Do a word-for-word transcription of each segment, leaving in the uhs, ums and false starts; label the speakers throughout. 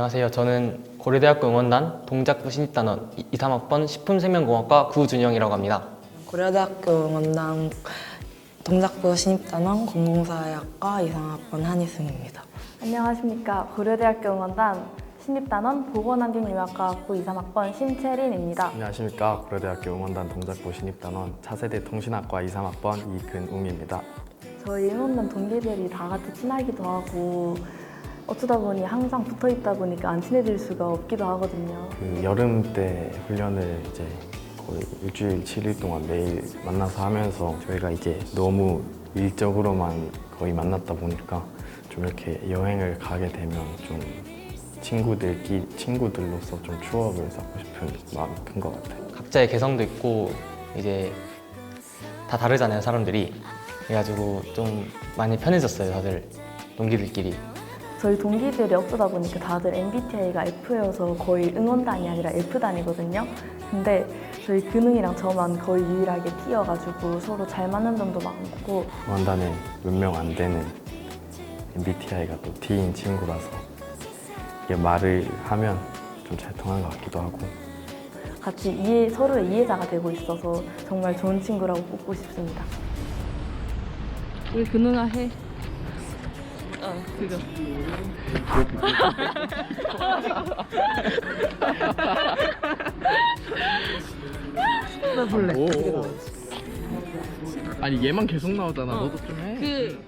Speaker 1: 안녕하세요. 저는 고려대학교 응원단 동작부 신입단원 이, 삼 학번 식품생명공학과 구준영이라고 합니다.
Speaker 2: 고려대학교 응원단 동작부 신입단원 공공사회학과 이, 삼 학번 한희승입니다.
Speaker 3: 안녕하십니까. 고려대학교 응원단 신입단원 보건환경융합과학부 이, 삼 학번 심채린입니다.
Speaker 4: 안녕하십니까. 고려대학교 응원단 동작부 신입단원 차세대 통신학과 이, 삼 학번 이근웅입니다.
Speaker 3: 저희 응원단 동기들이 다 같이 친하기도 하고 어쩌다 보니 항상 붙어 있다 보니까 안 친해질 수가 없기도 하거든요.
Speaker 4: 그 여름 때 훈련을 이제 거의 일주일 칠 일 동안 매일 만나서 하면서 저희가 이제 너무 일적으로만 거의 만났다 보니까 좀 이렇게 여행을 가게 되면 좀 친구들끼리 친구들로서 좀 추억을 쌓고 싶은 마음이 큰 것 같아요.
Speaker 1: 각자의 개성도 있고 이제 다 다르잖아요, 사람들이. 그래가지고 좀 많이 편해졌어요, 다들 동기들끼리.
Speaker 3: 저희 동기들이 어쩌다 보니까 다들 엠비티아이가 F여서 거의 응원단이 아니라 F단이거든요. 근데 저희 근웅이랑 저만 거의 유일하게 T여가지고 서로 잘 맞는 점도 많고
Speaker 4: 응원단에 몇 명 안 되는 엠비티아이가 또 T인 친구라서 이게 말을 하면 좀 잘 통하는 것 같기도 하고
Speaker 3: 같이 이해, 서로의 이해자가 되고 있어서 정말 좋은 친구라고 꼽고 싶습니다.
Speaker 5: 우리 근웅아 해. 어, 그거.
Speaker 6: 나 볼래.
Speaker 4: 오. 아니 얘만 계속 나오잖아.
Speaker 5: 어.
Speaker 4: 너도 좀 해.
Speaker 5: 그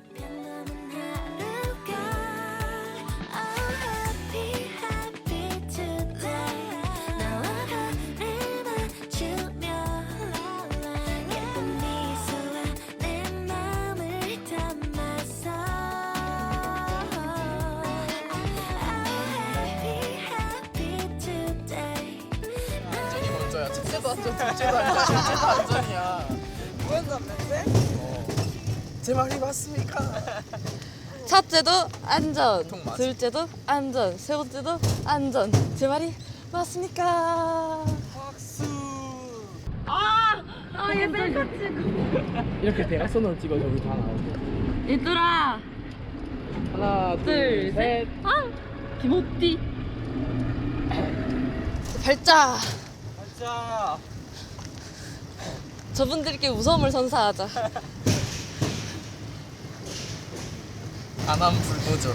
Speaker 6: 첫째도 안전, 둘째도 안전, 셋째도 안전이야. 그건 맞는데? 어. 제 말이 맞습니까?
Speaker 5: 첫째도 안전,
Speaker 6: 보통 맞아.
Speaker 5: 둘째도 안전, 세 번째도 안전. 제 말이 맞습니까?
Speaker 6: 박수.
Speaker 5: 아, 얘들 같이.
Speaker 6: 이렇게 대각선으로 찍어서 우리 다 나오고.
Speaker 5: 얘들아,
Speaker 6: 하나, 둘,
Speaker 5: 둘,
Speaker 6: 셋.
Speaker 5: 아, 김호띠. 발자.
Speaker 6: 자,
Speaker 5: 저분들께 무서움을 선사하자.
Speaker 6: 안함 불도저.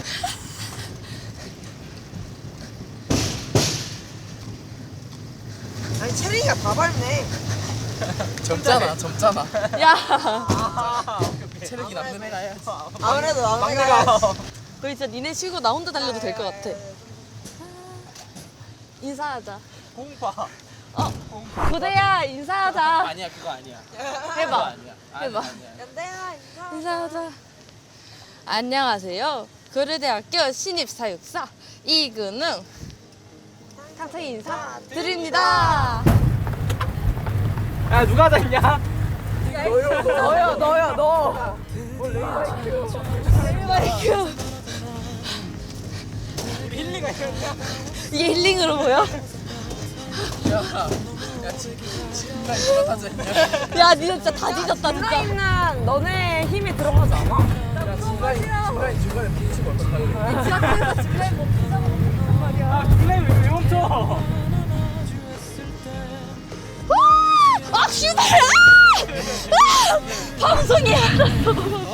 Speaker 7: 아니 채린이가 다 밟네.
Speaker 6: 젊잖아, 젊잖아.
Speaker 5: 야,
Speaker 6: 체력이 남는 애가 해야지.
Speaker 7: 아무래도
Speaker 6: 막내가.
Speaker 7: 막내가
Speaker 5: 우리 진짜 니네 쉬고 나 혼자 달려도 될 것 같아. 인사하자.
Speaker 6: 공파.
Speaker 5: 어, 고대야 인사하자.
Speaker 6: 아니야, 그거 아니야. 그거
Speaker 5: 해봐.
Speaker 6: 아니야. 아니,
Speaker 5: 해봐.
Speaker 6: 아니야.
Speaker 7: 연대야 인사.
Speaker 5: 인사하자. 안녕하세요. 고려대학교 신입사육사 이근웅 탕탕이 인사 드립니다.
Speaker 6: 야, 누가 잤냐?
Speaker 7: 너요 너요 너.
Speaker 5: 마이크.
Speaker 6: 힐리가 이랬냐?
Speaker 5: 이게 힐링으로 보여?
Speaker 6: 야, 야, 지금 지금까지 누가 다 잤냐?
Speaker 5: 야, 니 진짜 다 뒤졌다 진짜.
Speaker 7: 있는 너네 힘이 들어가지 않아?
Speaker 6: 야, 중간에 중간에 중간에 멈추면 어떡하냐?
Speaker 5: 지하철에서 집에 못 붙잡아먹는 말이야.
Speaker 6: 아, 플레이 왜, 왜 멈춰?
Speaker 5: 아, 휴발! 아! 아! 방송이 안 났어.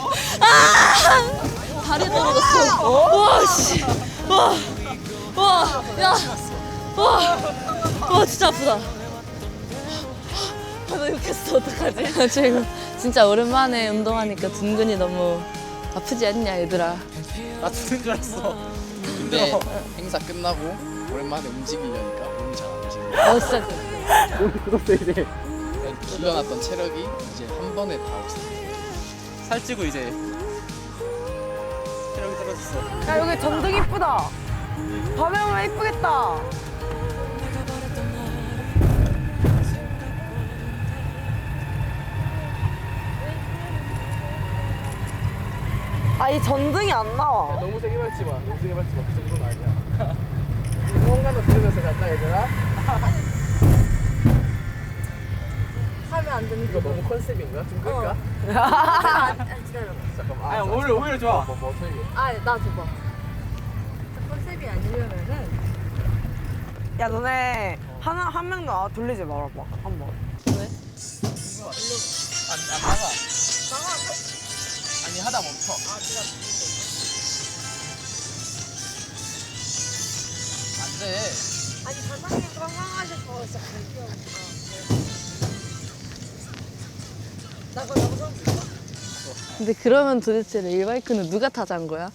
Speaker 5: 아! 다리 떨어졌어. 와, 씨. 와. 와, 야. 와. 와, 진짜 아프다. 아, 나 욕했어. 어떡하지? 지금 진짜 오랜만에 운동하니까 둔근이 너무 아프지 않냐, 얘들아?
Speaker 6: 나 죽는 줄 알았어. 근데 행사 끝나고 오랜만에 움직이려니까 몸이 잘 안 움직여.
Speaker 5: 어, 진짜.
Speaker 6: 오늘 그것도 이제 길러놨던 체력이 이제 한 번에 다 없어. 살찌고 이제 체력이 떨어졌어.
Speaker 7: 야 여기 전등 이쁘다. 밤에 오면 이쁘겠다. 아 이 전등이 안 나와.
Speaker 6: 너무 세게 밟지 마. 너무 세게 밟지 마. 그 정도는 아니야. 공간도 들으면서 간다 얘들아.
Speaker 7: 하면 안 되는
Speaker 6: 이거 너무 컨셉인가? 좀 끌까?
Speaker 7: 아, 기다려봐.
Speaker 6: 잠깐만. 아니 오히려 오히려 좋아. 뭐, 뭐 어떻게?
Speaker 7: 아, 나 줘봐. 컨셉이 타입이 아니려면은 야 너네 하나 한 명도 아, 돌리지 말아봐 한번.
Speaker 6: 안, 안 나가. 나가. 아니 하다 멈춰. 아 진짜. 안 돼.
Speaker 7: 아니 사장님 건강하셔서 진짜 갈게요. 나가 나가.
Speaker 5: 근데 그러면 도대체 레일바이크는 누가 타자는 거야?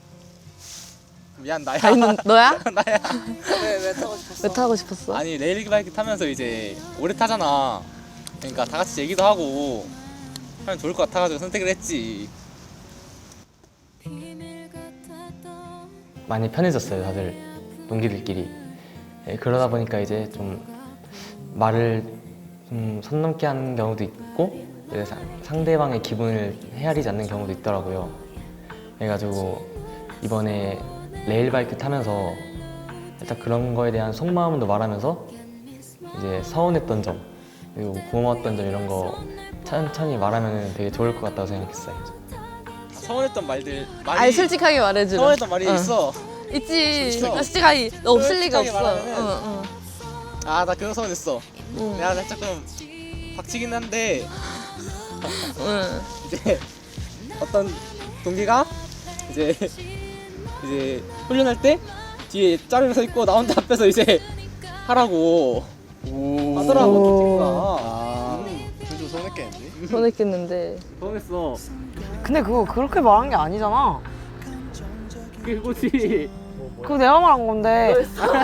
Speaker 6: 미안 나야.
Speaker 5: 다 있는 너야?
Speaker 6: 나야.
Speaker 7: 왜왜 타고 싶었어?
Speaker 5: 왜 타고 싶었어?
Speaker 6: 아니 레일바이크 타면서 이제 오래 타잖아. 그러니까 다 같이 얘기도 하고 하면 좋을 것 같아가지고 선택을 했지.
Speaker 1: 많이 편해졌어요, 다들 동기들끼리. 예, 그러다 보니까 이제 좀 말을 좀 선 넘게 하는 경우도 있고 이제 사- 상대방의 기분을 헤아리지 않는 경우도 있더라고요. 그래가지고 이번에 레일바이크 타면서 일단 그런 거에 대한 속마음도 말하면서 이제 서운했던 점 그리고 고마웠던 점 이런 거 천천히 말하면 되게 좋을 것 같다고 생각했어요.
Speaker 6: 서운했던 말들 말이
Speaker 5: 아니 솔직하게 말해주라.
Speaker 6: 서운했던 말이
Speaker 5: 어.
Speaker 6: 있어.
Speaker 5: 있지.
Speaker 6: 있어.
Speaker 5: 나 솔직하게 너 없을 리가
Speaker 6: 솔직하게
Speaker 5: 없어.
Speaker 6: 말하면은
Speaker 5: 응, 응.
Speaker 6: 아 나 그거 서운했어.
Speaker 5: 응.
Speaker 6: 내가 조금 박치긴 한데
Speaker 5: 응.
Speaker 6: 이제 어떤 동기가 이제 이제 훈련할 때 뒤에 짜르르 서 있고 나 혼자 앞에서 이제 하라고 하더라고 동기가.
Speaker 4: 아, 좀 서운했겠는데?
Speaker 5: 서운했겠는데.
Speaker 6: 서운했어.
Speaker 7: 근데 그거 그렇게 말한 게 아니잖아.
Speaker 6: 그게 그거지.
Speaker 7: 그거 내가 말한 건데.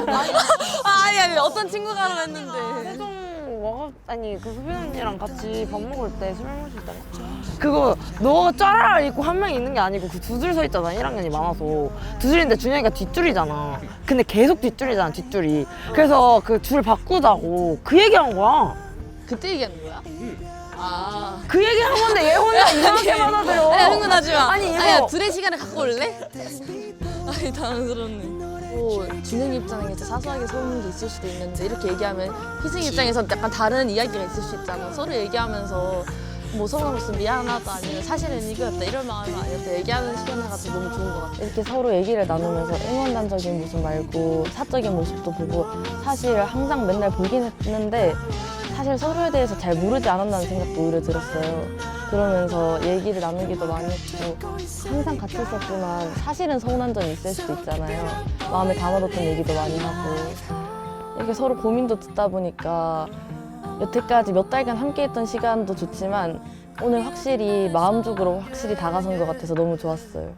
Speaker 5: 아, 아니 아니 어떤 친구가 하라 했는데.
Speaker 7: 세종 와가 아니 그 수빈 언니랑 같이 밥 먹을 때 술 마실 때 그거 너가 짜라라 있고 한 명 있는 게 아니고 그 두 줄 서 있잖아. 일 학년이 많아서 두 줄인데 준영이가 뒷줄이잖아. 근데 계속 뒷줄이잖아 뒷줄이. 그래서 그 줄 바꾸자고 그 얘기한 거야.
Speaker 5: 그때 얘기하는 거야? 아.
Speaker 7: 그 얘기한 건데 얘 혼자 이상하게 받아들여.
Speaker 5: 아니 흥분하지 마.
Speaker 7: 아니, 이거-
Speaker 5: 아니야 둘의 시간을 갖고 올래? 아니 당황스럽네. 뭐 준영 입장에 이제 사소하게 서운한 게 있을 수도 있는데 이렇게 얘기하면 희승 입장에서 약간 다른 이야기가 있을 수 있잖아. 서로 얘기하면서 뭐 서운한 것은 미안하다 아니면 사실은 이거였다 이런 마음이 아니었다 얘기하는 시간을 가지고 너무 좋은 것 같아. 이렇게 서로 얘기를 나누면서 응원단적인 모습 말고 사적인 모습도 보고 사실 항상 맨날 보긴 했는데 사실 서로에 대해서 잘 모르지 않았다는 생각도 오히려 들었어요. 그러면서 얘기를 나누기도 많이 했고 항상 같이 있었지만 사실은 서운한 점이 있을 수도 있잖아요. 마음에 담아뒀던 얘기도 많이 하고 이렇게 서로 고민도 듣다 보니까 여태까지 몇 달간 함께했던 시간도 좋지만 오늘 확실히 마음적으로 확실히 다가선 것 같아서 너무 좋았어요.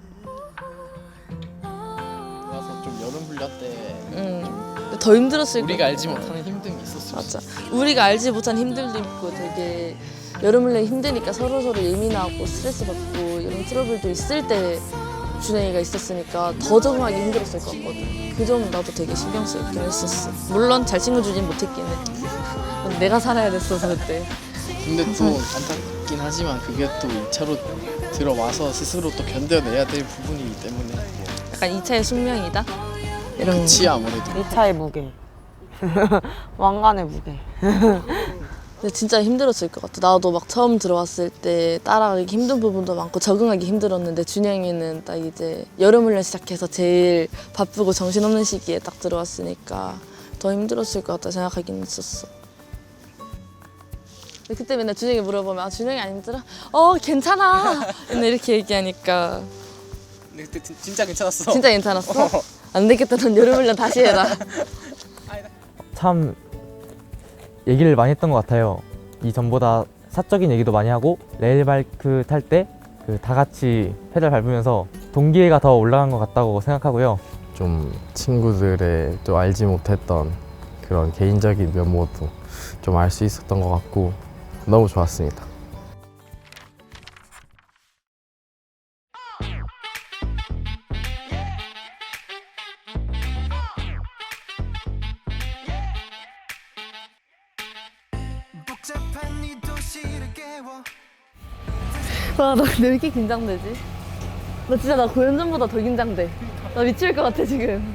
Speaker 8: 그래서 좀 여름 훈련 때
Speaker 5: 음, 더 힘들었을
Speaker 8: 우리가
Speaker 5: 거야.
Speaker 8: 알지 못하는 힘듦이 있었어.
Speaker 5: 맞아. 우리가 알지 못한 힘듦도 있고 되게 여름을 내 힘드니까 서로서로 예민하고 스트레스 받고 이런 트러블도 있을 때 준영이가 있었으니까 더 적응하기 힘들었을 것 같거든. 그 점 나도 되게 신경 쓰였긴 했었어. 물론 잘 챙겨주진 못했긴 해. 내가 살아야 됐어서 그때.
Speaker 8: 근데 또 안타깝긴 하지만 그게 또 이 차로 들어와서 스스로 또 견뎌내야 될 부분이기 때문에
Speaker 5: 약간 이 차의 숙명이다? 이런
Speaker 8: 그치 아무래도.
Speaker 7: 이 차의 무게. 왕관의 무게.
Speaker 5: 근데 진짜 힘들었을 것 같아. 나도 막 처음 들어왔을 때 따라가기 힘든 부분도 많고 적응하기 힘들었는데 준영이는 딱 이제 여름 훈련 시작해서 제일 바쁘고 정신없는 시기에 딱 들어왔으니까 더 힘들었을 것 같다 생각하긴 했었어. 근데 그때 맨날 준영이 물어보면 아 준영이 안 힘들어? 어 괜찮아. 맨날 이렇게 얘기하니까
Speaker 6: 근데 그때 진- 진짜 괜찮았어.
Speaker 5: 진짜 괜찮았어? 안 되겠다. 넌 여름 훈련 다시 해라.
Speaker 9: 참 얘기를 많이 했던 것 같아요. 이전보다 사적인 얘기도 많이 하고 레일바이크 탈 때 그 다 같이 페달 밟으면서 동기애가 더 올라간 것 같다고 생각하고요.
Speaker 4: 좀 친구들의 또 알지 못했던 그런 개인적인 면모도 좀 알 수 있었던 것 같고 너무 좋았습니다.
Speaker 5: 와, 나 근데 왜 이렇게 긴장되지? 나 진짜 나 고연전보다 더 긴장돼. 나 미칠 것 같아, 지금.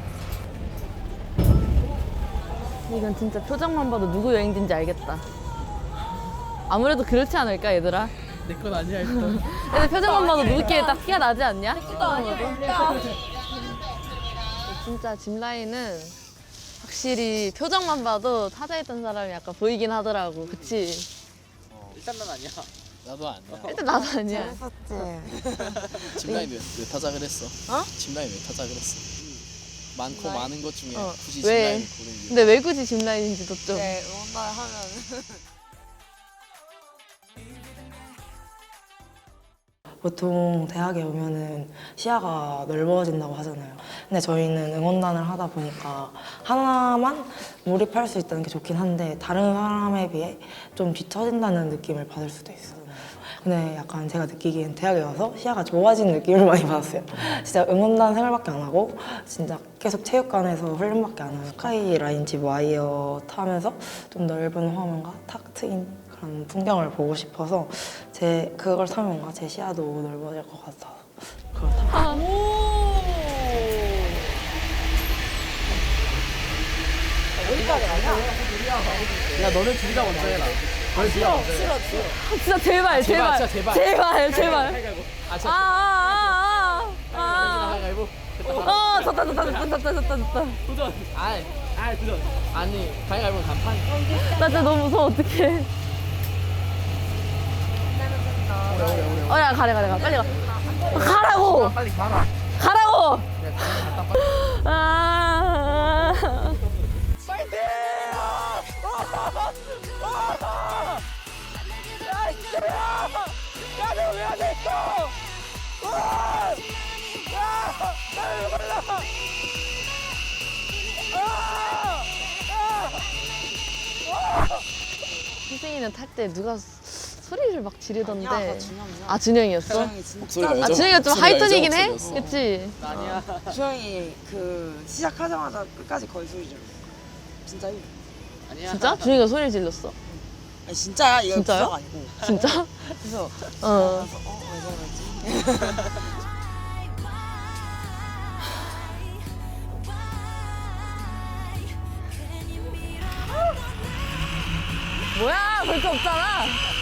Speaker 5: 이건 진짜 표정만 봐도 누구 여행지인지 알겠다. 아무래도 그렇지 않을까, 얘들아?
Speaker 8: 내 건 아니야 일단.
Speaker 5: 애들 표정만 봐도 누구끼리 딱 티가 나지 않냐? 진짜 짚라인은 확실히 표정만 봐도 타자했던 사람이 약간 보이긴 하더라고. 그치?
Speaker 6: 일단 난 아니야.
Speaker 8: 나도 아니야.
Speaker 5: 일단 나도 아니야.
Speaker 7: 재밌었지.
Speaker 8: 짚라인 왜, 왜 타자 그랬어?
Speaker 7: 어?
Speaker 8: 짚라인 왜 타자 그랬어? 많고 많은 것 중에
Speaker 5: 어,
Speaker 8: 굳이
Speaker 5: 왜?
Speaker 8: 짚라인 고른 이유.
Speaker 5: 근데 왜 굳이 짚라인인지도 좀.
Speaker 7: 네, 응원단 하면
Speaker 2: 보통 대학에 오면은 시야가 넓어진다고 하잖아요. 근데 저희는 응원단을 하다 보니까 하나만 몰입할 수 있다는 게 좋긴 한데 다른 사람에 비해 좀 뒤처진다는 느낌을 받을 수도 있어요. 근데 약간 제가 느끼기엔 대학에 와서 시야가 좋아진 느낌을 많이 받았어요. 진짜 응원단 생활밖에 안 하고 진짜 계속 체육관에서 훈련밖에 안 하고 스카이 라인 집 와이어 타면서 좀 넓은 화면과 탁 트인 그런 풍경을 보고 싶어서 제 그걸 타면 뭔가 제 시야도 넓어질 것 같아서 그렇다.
Speaker 6: 야 너는 둘이다 먼저 해라. 너는 둘이다 먼저 해라.
Speaker 5: 진짜 제발, 제발.
Speaker 6: 진짜 제발.
Speaker 5: 제발, 제발.
Speaker 6: 가위바위보. 아
Speaker 5: 아,
Speaker 6: 진짜.
Speaker 5: 아, 아, 아.
Speaker 6: 가위바위보.
Speaker 5: 아, 졌다, 졌다, 졌다, 졌다, 졌다, 졌다.
Speaker 6: 도전. 아이, 아이 도전. 아니 가위바위보 간판.
Speaker 5: 나 진짜 너무 무서워, 어떡해. 어, 야, 가래, 가래, 가. 빨리 가. 가라고!
Speaker 6: 빨리 가라.
Speaker 5: 가라고!
Speaker 6: 내가 갔다 빨리.
Speaker 5: 아. 희승이는 탈 때 누가 소리를 막 지르던데. 아, 준영이었어?
Speaker 8: 목소리가
Speaker 5: 아,
Speaker 8: 여자-
Speaker 5: 준영이가 좀
Speaker 8: 목소리가
Speaker 5: 하이톤이긴
Speaker 8: 여자
Speaker 5: 해?
Speaker 8: 목소리였어.
Speaker 5: 그치?
Speaker 6: 아니야.
Speaker 7: 주영이 그 시작하자마자 끝까지 거의 소리 질러. 진짜요?
Speaker 6: 아니야.
Speaker 5: 진짜? 준영이가 소리를 질렀어.
Speaker 7: 아니 진짜야. 이거
Speaker 5: 진짜요?
Speaker 7: 부작 아니고.
Speaker 5: 진짜?
Speaker 7: 그래서
Speaker 5: 어.
Speaker 7: 어, 왜 저러지?
Speaker 5: 뭐야, 볼 거 없잖아.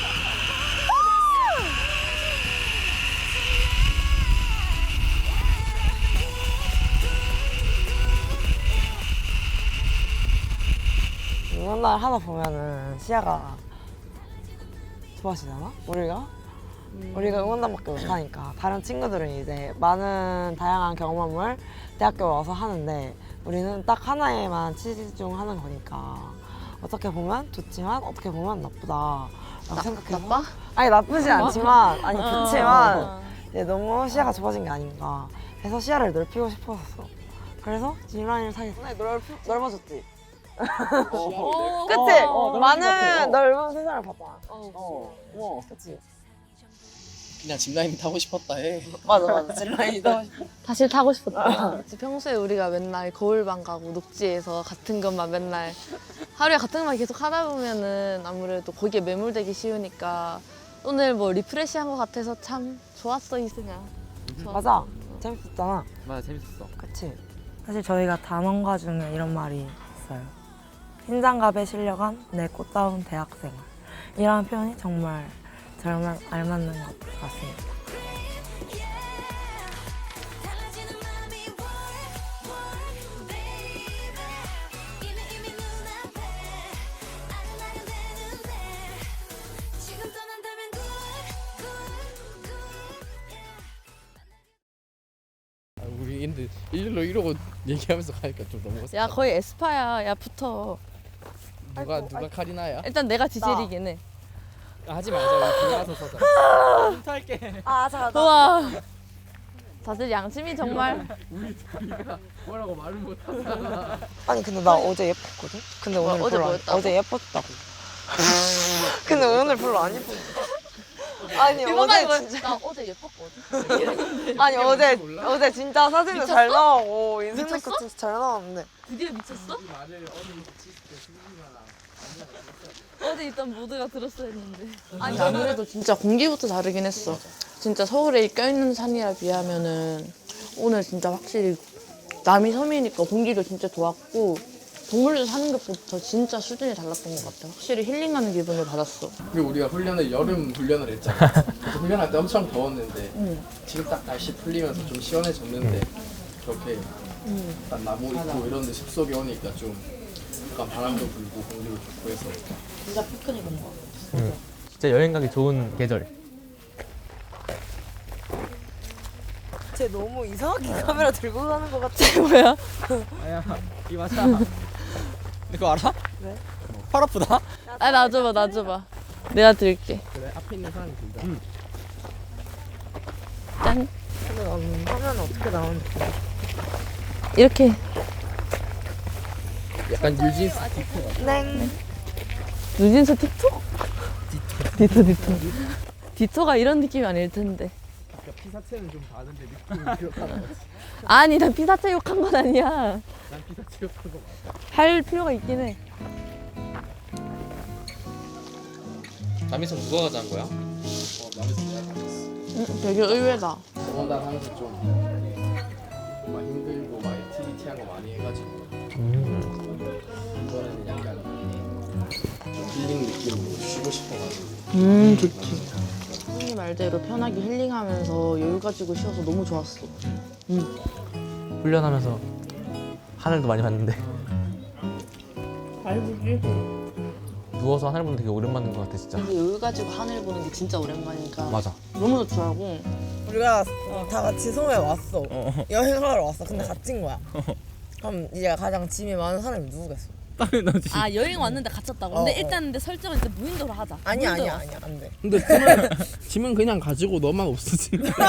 Speaker 7: 응원단 하다 보면은 시야가 좋아지잖아? 우리가? 우리가 응원단밖에 못하니까 다른 친구들은 이제 많은 다양한 경험을 대학교 와서 하는데 우리는 딱 하나에만 치중하는 거니까 어떻게 보면 좋지만 어떻게 보면 나쁘다 라고 생각해서
Speaker 5: 나빠?
Speaker 7: 아니 나쁘지 않지만 아니
Speaker 5: 어.
Speaker 7: 좋지만 이제 너무 시야가 좁아진 게 아닌가 해서 시야를 넓히고 싶었어. 그래서 짚라인을 타게 됐어. 넓, 넓어졌지?
Speaker 5: 어,
Speaker 7: 그치?
Speaker 6: 어, 넓은 것 같아.
Speaker 7: 많은
Speaker 6: 어.
Speaker 7: 넓은 세상을 봤잖아.
Speaker 6: 어. 어.
Speaker 7: 그치?
Speaker 8: 그냥 짚라인 타고 싶었다 해.
Speaker 7: 맞아 맞아 짚라인이다.
Speaker 5: 다시 타고 싶었다. 평소에 우리가 맨날 거울방 가고 녹지에서 같은 것만 맨날 하루에 같은 것만 계속 하다 보면은 아무래도 거기에 매몰되기 쉬우니까 오늘 뭐 리프레시한 것 같아서 참 좋았어, 이승아. 좋았어.
Speaker 7: 맞아 재밌었잖아.
Speaker 1: 맞아, 재밌었어.
Speaker 7: 그치?
Speaker 2: 사실 저희가 단원가 중에 이런 말이 있어요. 흰장갑에 실려간 내 꽃다운 대학생활. 이런 표현이 정말 저랑 알맞는 것 같습니다.
Speaker 8: 아, 우리 근데 일일로 이러고 얘기하면서 가니까 좀 너무 어색하다.
Speaker 5: 야, 거의 에스파야. 야, 붙어.
Speaker 8: 누가 누가 카리나야?
Speaker 5: 일단 내가 지젤이긴 해.
Speaker 6: 하지 말자. 우리 들어가서 서자. 탈게.
Speaker 7: 아 잠깐
Speaker 5: 우와. 다들 양심이 정말.
Speaker 6: 뭐라고 말을 못 하잖아.
Speaker 7: 아니 근데 나 어제 예뻤거든? 근데 오늘
Speaker 5: 어제
Speaker 7: 별로 안-
Speaker 5: 뭐였다고?
Speaker 7: 어제 예뻤다고. 근데 오늘 별로 안 예뻤어. 아니
Speaker 5: 이번에
Speaker 7: 어제 진짜
Speaker 5: 나 어제 예뻤거든.
Speaker 7: 아니 어제 어제 진짜 사진도
Speaker 5: 미쳤어?
Speaker 7: 잘 나오고 인생
Speaker 5: 미쳤어?
Speaker 7: 거 진짜 잘 나왔는데
Speaker 5: 드디어 미쳤어? 어제 있던 모드가 들었어야 했는데. 아니 아무래도 진짜 공기부터 다르긴 했어. 진짜 서울에 껴있는 산이라 비하면은 오늘 진짜 확실히 남이 섬이니까 공기도 진짜 좋았고 동물들 사는 것부터 진짜 수준이 달랐던 것 같아. 확실히 힐링하는 기분을 받았어.
Speaker 8: 그리고 우리가 훈련을 여름 훈련을 했잖아. 그래서 훈련할 때 엄청 더웠는데
Speaker 5: 응.
Speaker 8: 지금 딱 날씨 풀리면서 좀 시원해졌는데 그렇게 약간 나무 있고 이런 데 숲속에 오니까 좀 약간 바람도 불고 공기도 좋고 해서
Speaker 7: 진짜 피크닉 온 거.
Speaker 9: 응. 진짜 여행 가기 좋은 계절.
Speaker 7: 쟤 너무 이상하게 카메라 들고 가는 것 같아.
Speaker 5: 뭐야?
Speaker 6: 아야 이 맞아. 그거 알아?
Speaker 7: 왜?
Speaker 6: 팔 아프다?
Speaker 5: 아 놔줘봐 놔줘봐. 내가 들게.
Speaker 8: 그래 앞에 있는 사람이 들자.
Speaker 5: 짠.
Speaker 7: 근데 나는 화면 어떻게 나오는지.
Speaker 5: 이렇게.
Speaker 8: 약간 뉴진스
Speaker 7: 네.
Speaker 5: 누진스 틱톡? 디토 디토. 디토가 이런 느낌이 아닐 텐데.
Speaker 8: 피사체는 좀 다른데 느낌이 기억하는 거지.
Speaker 5: 아니 난 피사체 욕한 건 아니야.
Speaker 8: 난 피사체 욕한 거 맞아.
Speaker 5: 할 필요가 있긴 해.
Speaker 1: 남이선 누가 가자는 거야?
Speaker 8: 어 남에서 내가 가졌어.
Speaker 5: 응, 되게 의외다.
Speaker 8: 응원단 하면서 좀막 힘들고 막 액티비티한 거 많이 해가지고
Speaker 9: 음.
Speaker 8: 이번에는 약간 좀 힐링 느낌으로 쉬고 싶어가지고.
Speaker 5: 음 좋지. 선생님 말대로 편하게 힐링하면서 여유 가지고 쉬어서 너무 좋았어.
Speaker 9: 훈련하면서 하늘도 많이 봤는데
Speaker 5: 잘 보지.
Speaker 9: 누워서 하늘 보는 게 되게 오랜만인 것 같아 진짜.
Speaker 5: 근데 여유 가지고 하늘 보는 게 진짜 오랜만이니까
Speaker 9: 맞아.
Speaker 5: 너무 좋더라고.
Speaker 2: 우리가 다 같이 섬에 왔어. 여행하러 왔어. 근데 갇힌 거야. 그럼 이제 가장 짐이 많은 사람이 누구겠어?
Speaker 6: 당연하지.
Speaker 5: 아 여행 왔는데 갇혔다고?
Speaker 2: 어,
Speaker 5: 근데
Speaker 2: 어.
Speaker 5: 일단 근데 설정은 일단 무인도로 하자.
Speaker 2: 아니야
Speaker 5: 무인도로
Speaker 2: 아니야 아니야 안 돼.
Speaker 8: 근데 짐은, 짐은 그냥 가지고 너만 없으지.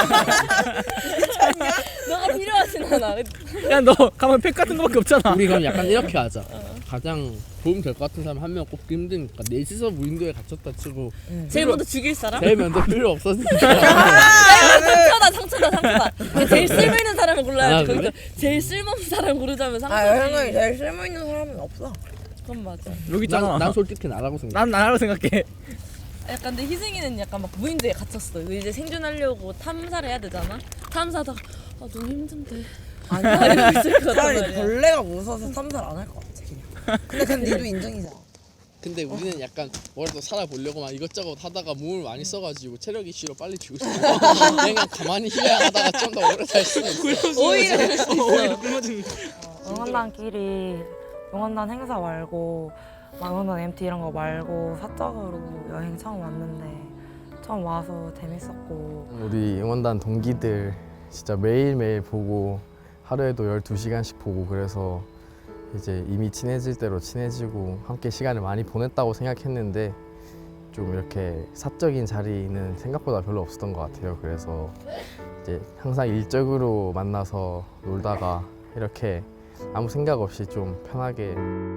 Speaker 5: 너가 필요하진 않아.
Speaker 6: 야 너 가면 팩 같은 거밖에 없잖아.
Speaker 8: 우리 그럼 약간 이렇게 하자. 가장 도움 될 것 같은 사람 한 명 꼽기 힘드니까 넷이서 무인도에 갇혔다 치고
Speaker 5: 제일 먼저 죽일 사람?
Speaker 8: 제일 먼저 필요 없어지니까.
Speaker 5: 상처다 상처다 상처다. 제일 쓸모 있는 사람을 골라야지.
Speaker 8: 아,
Speaker 5: 거기서
Speaker 8: 그래?
Speaker 5: 제일 쓸모없는 사람 고르자면 상처지.
Speaker 2: 아 여행을 제일 쓸모 있는 사람은 없어.
Speaker 5: 그건 맞아.
Speaker 6: 여기 있잖아.
Speaker 8: 난, 난 솔직히 나라고 생각해.
Speaker 6: 난 나라고 생각해.
Speaker 5: 약간 근데 희승이는 약간 막 무인도에 갇혔어. 이제 생존하려고 탐사를 해야 되잖아. 탐사하다가 아 너무 힘든데. 아니야 이러고 있을 것 같단
Speaker 2: 차라리
Speaker 5: 말이야.
Speaker 2: 벌레가 무서워서 탐사를 안 할 것 같아. 그냥. 근데 그건 니도 인정이잖아.
Speaker 8: 근데 우리는 약간 뭐라도 살아보려고 막 이것저것 하다가 몸을 많이 써가지고 체력 이슈로 빨리 죽을 수 있어. 그냥 가만히 휴양하다가 좀 더 오래 살 수는 있어.
Speaker 5: 오히려 그럴 수 있어.
Speaker 2: 응원단끼리 응원단 행사 말고 막 응원단 엠티 이런 거 말고 사적으로 여행 처음 왔는데 처음 와서 재밌었고
Speaker 4: 우리 응원단 동기들 진짜 매일매일 보고 하루에도 열두 시간씩 보고 그래서 이제 이미 친해질 대로 친해지고 함께 시간을 많이 보냈다고 생각했는데 좀 이렇게 사적인 자리는 생각보다 별로 없었던 것 같아요. 그래서 이제 항상 일적으로 만나서 놀다가 이렇게 아무 생각 없이 좀 편하게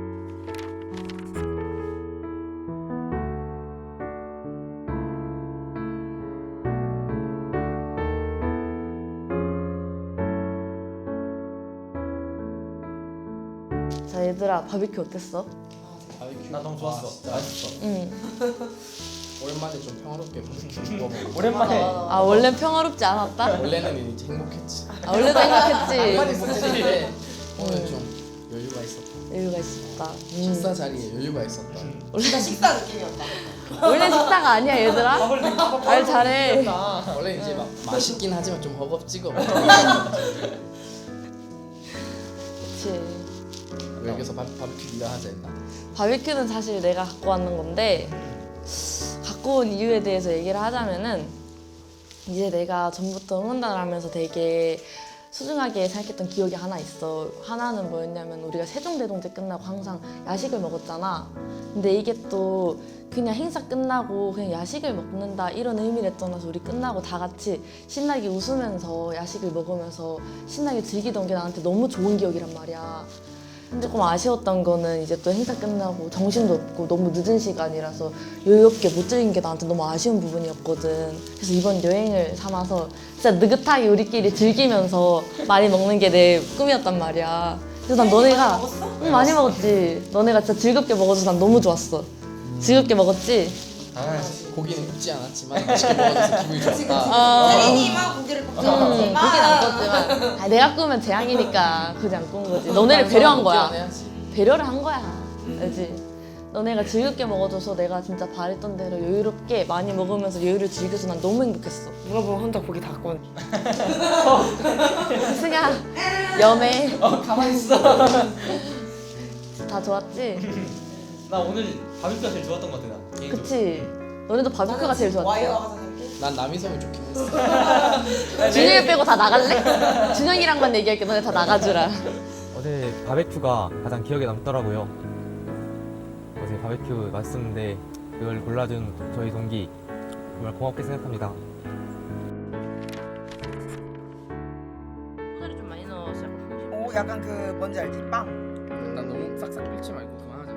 Speaker 5: 자 얘들아 바비큐 어땠어?
Speaker 1: 나 너무 좋았어. 맛있어.
Speaker 5: 응.
Speaker 8: 오랜만에 좀 평화롭게 먹어보고.
Speaker 1: 오랜만에.
Speaker 5: 아 원래 평화롭지 않았다?
Speaker 8: 원래는 이제 행복했지.
Speaker 5: 아 원래도 행복했지.
Speaker 8: 행복했는데 오늘 좀 여유가 있었다.
Speaker 5: 여유가 있었다.
Speaker 8: 식사 자리에 여유가 있었다.
Speaker 5: 원래 식사 느낌이었다. 원래 식사가 아니야 얘들아. 말 잘해.
Speaker 8: 원래 이제 막 맛있긴 하지만 좀 허겁지겁.
Speaker 5: 그치.
Speaker 8: 여기서 바, 바비큐 네가 하자 했나?
Speaker 5: 바비큐는 사실 내가 갖고 왔는 건데 갖고 온 이유에 대해서 얘기를 하자면은 이제 내가 전부터 응원단을 하면서 되게 소중하게 생각했던 기억이 하나 있어. 하나는 뭐였냐면 우리가 세종대동제 끝나고 항상 야식을 먹었잖아. 근데 이게 또 그냥 행사 끝나고 그냥 야식을 먹는다 이런 의미를 떠나서 우리 끝나고 다 같이 신나게 웃으면서 야식을 먹으면서 신나게 즐기던 게 나한테 너무 좋은 기억이란 말이야. 근데 조금 아쉬웠던 거는 이제 또 행사 끝나고 정신도 없고 너무 늦은 시간이라서 여유롭게 못 즐긴 게 나한테 너무 아쉬운 부분이었거든. 그래서 이번 여행을 삼아서 진짜 느긋하게 우리끼리 즐기면서 많이 먹는 게 내 꿈이었단 말이야. 그래서 난 너네가 응, 많이 먹었지. 너네가 진짜 즐겁게 먹어줘서 난 너무 좋았어. 즐겁게 먹었지?
Speaker 8: 고기는 굽지 않았지만 맛있게 먹어줘서 기분이 좋았다.
Speaker 5: 어,
Speaker 2: 혜린이만 고기를 굽지
Speaker 5: 음, 고기는 안 굽지만 아, 내가 구우면 재앙이니까 굳이 안 구운 거지. 너네를 배려한 거야.
Speaker 8: 해야지.
Speaker 5: 배려를 한 거야. 알지? 너네가 즐겁게 먹어줘서 내가 진짜 바랬던 대로 여유롭게 많이 먹으면서 여유를 즐겨서 난 너무 행복했어.
Speaker 7: 누가 보면 혼자 고기 다 구워.
Speaker 5: 승아, 염해.
Speaker 6: 어 가만히 있어.
Speaker 5: 다 좋았지?
Speaker 1: 나 오늘 바비큐가 제일 좋았던 것 같아. 나. 개인적으로.
Speaker 5: 그치? 너네도 바비큐가 제일 좋았지?
Speaker 8: 난 남이섬이 좋긴 했어.
Speaker 5: 준영이 빼고 다 나갈래? 준영이랑만 얘기할게. 너네 다 나가주라.
Speaker 9: 어제 바베큐가 가장 기억에 남더라고요. 어제 바베큐 맛있었는데 그걸 골라준 저희 동기 정말 고맙게 생각합니다.
Speaker 5: 소다리 좀 많이 넣어서 약간
Speaker 7: 오 약간 그 뭔지 알지? 빵.
Speaker 8: 난 너무 싹싹 긁지 말고 그만하자.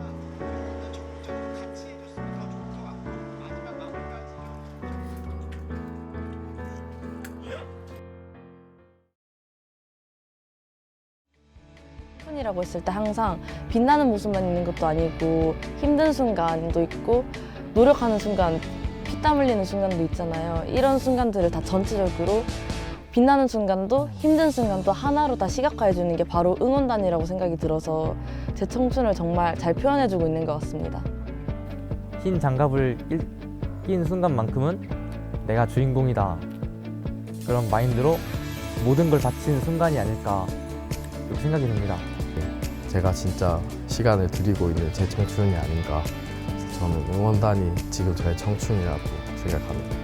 Speaker 5: 이라고 했을 때 항상 빛나는 모습만 있는 것도 아니고 힘든 순간도 있고 노력하는 순간, 피땀 흘리는 순간도 있잖아요. 이런 순간들을 다 전체적으로 빛나는 순간도 힘든 순간도 하나로 다 시각화해 주는 게 바로 응원단이라고 생각이 들어서 제 청춘을 정말 잘 표현해 주고 있는 것 같습니다.
Speaker 9: 흰 장갑을 낄- 낀 순간만큼은 내가 주인공이다. 그런 마인드로 모든 걸 바친 순간이 아닐까 이렇게 생각이 듭니다.
Speaker 4: 제가 진짜 시간을 드리고 있는 제 청춘이 아닌가. 그래서 저는 응원단이 지금 저의 청춘이라고 생각합니다.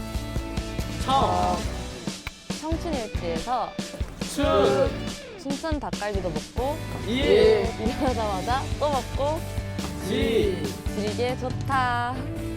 Speaker 5: 어, 청춘일지에서 춘천 닭갈비도 먹고 일어나자마자 또 먹고 지리게 좋다.